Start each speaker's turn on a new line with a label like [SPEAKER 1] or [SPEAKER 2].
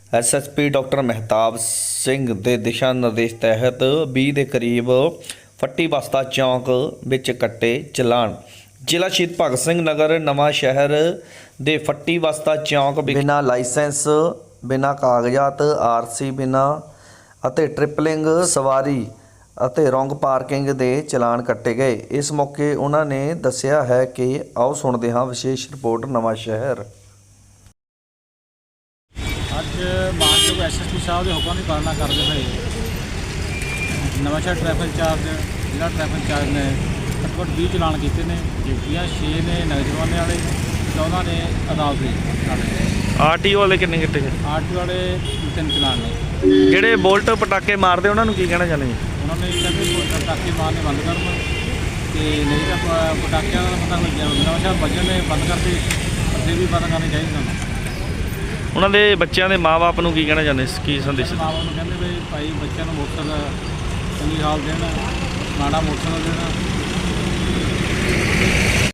[SPEAKER 1] SSP doctor Mehtab Singh ਦੇ ਦਿਸ਼ਾ ਨਿਰਦੇਸ਼ ਤਹਿਤ 20 ਦੇ ਕਰੀਬ ਫੱਟੀ ਬਸਤਾ ਚੌਂਕ ਵਿੱਚ ਕੱਟੇ ਚਲਾਨ। ਜ਼ਿਲ੍ਹਾ ਸ਼ਹੀਦ ਭਗਤ ਸਿੰਘ ਨਗਰ ਨਵਾਂ ਸ਼ਹਿਰ ਦੇ ਫੱਟੀ ਬਸਤਾ ਚੌਂਕ ਬਿਨਾਂ ਲਾਇਸੈਂਸ, ਬਿਨਾਂ ਕਾਗਜ਼ਾਤ, ਆਰਸੀ ਬਿਨਾਂ ਅਤੇ ਟ੍ਰਿਪਲਿੰਗ ਸਵਾਰੀ ਅਤੇ ਰੋਂਗ ਪਾਰਕਿੰਗ ਦੇ ਚਲਾਨ ਕੱਟੇ ਗਏ। ਇਸ ਮੌਕੇ ਉਹਨਾਂ ਨੇ ਦੱਸਿਆ ਹੈ ਕਿ ਆਓ ਸੁਣਦੇ ਹਾਂ ਵਿਸ਼ੇਸ਼ ਰਿਪੋਰਟ ਨਵਾਂ ਸ਼ਹਿਰ।
[SPEAKER 2] ਅੱਜ ਮਾਨਯੋਗ ਐਸਐਸਪੀ ਸਾਹਿਬ ਦੇ ਹੁਕਮ ਦੀ ਪਾਲਣਾ ਕਰਦੇ ਹੋਏ ਨਵਾਂਸ਼ਹਿਰ ਟ੍ਰੈਫਿਕ ਇੰਚਾਰਜ ਜ਼ਿਲ੍ਹਾ ਟ੍ਰੈਫਿਕ ਇੰਚਾਰਜ ਨੇ ਘੱਟੋ ਘੱਟ 20 ਚਲਾਨ ਕੀਤੇ ਨੇ। ਡਿਊਟੀਆਂ 6 ਨੇ ਨਗਰ ਜੁਰਮਾਨੇ ਵਾਲੇ, 14 ਨੇ ਅਦਾਲਤੀ ਵਾਲੇ।
[SPEAKER 1] ਆਰਟੀਓ ਵਾਲੇ ਕਿੰਨੇ ਕੱਟੇ ਗਏ?
[SPEAKER 2] ਆਰਟੀਓ ਵਾਲੇ 3 ਚਲਾਨ ਨੇ।
[SPEAKER 1] ਜਿਹੜੇ ਬੋਲਟ ਪਟਾਕੇ ਮਾਰਦੇ ਉਹਨਾਂ ਨੂੰ ਕੀ ਕਹਿਣਾ ਚਾਹੁੰਦੇ ਜੀ?
[SPEAKER 2] ਉਹਨਾਂ ਨੇ ਕਹਿੰਦੇ ਪਟਾਕੇ ਮਾਰਨੇ ਬੰਦ ਕਰਨ ਤੇ ਨਹੀਂ ਤਾਂ ਪਟਾਕਿਆਂ ਦਾ ਪਤਾ ਲੱਗਿਆ ਨਵਾਂਸ਼ਹਿਰ ਵੱਜਣ ਨੇ ਬੰਦ ਕਰਦੇ, ਅੱਗੇ ਵੀ ਬੰਦ ਕਰਨੇ ਚਾਹੀਦੇ ਸਾਨੂੰ।
[SPEAKER 1] ਉਹਨਾਂ ਦੇ ਬੱਚਿਆਂ ਦੇ ਮਾਂ-ਬਾਪ ਨੂੰ ਕੀ ਕਹਿਣਾ ਚਾਹੁੰਦੇ, ਕੀ ਸੰਦੇਸ਼?
[SPEAKER 2] ਮਾਂ-ਬਾਪ ਨੂੰ ਕਹਿੰਦੇ ਵੀ ਭਾਈ ਬੱਚਿਆਂ ਨੂੰ ਮੋਟਰਸਾਈਕਲ ਚੰਗੀ ਹਾਲ ਦੇਣ, ਮਾੜਾ ਮੋਟਰਸਾਈਕਲ ਦੇਣ।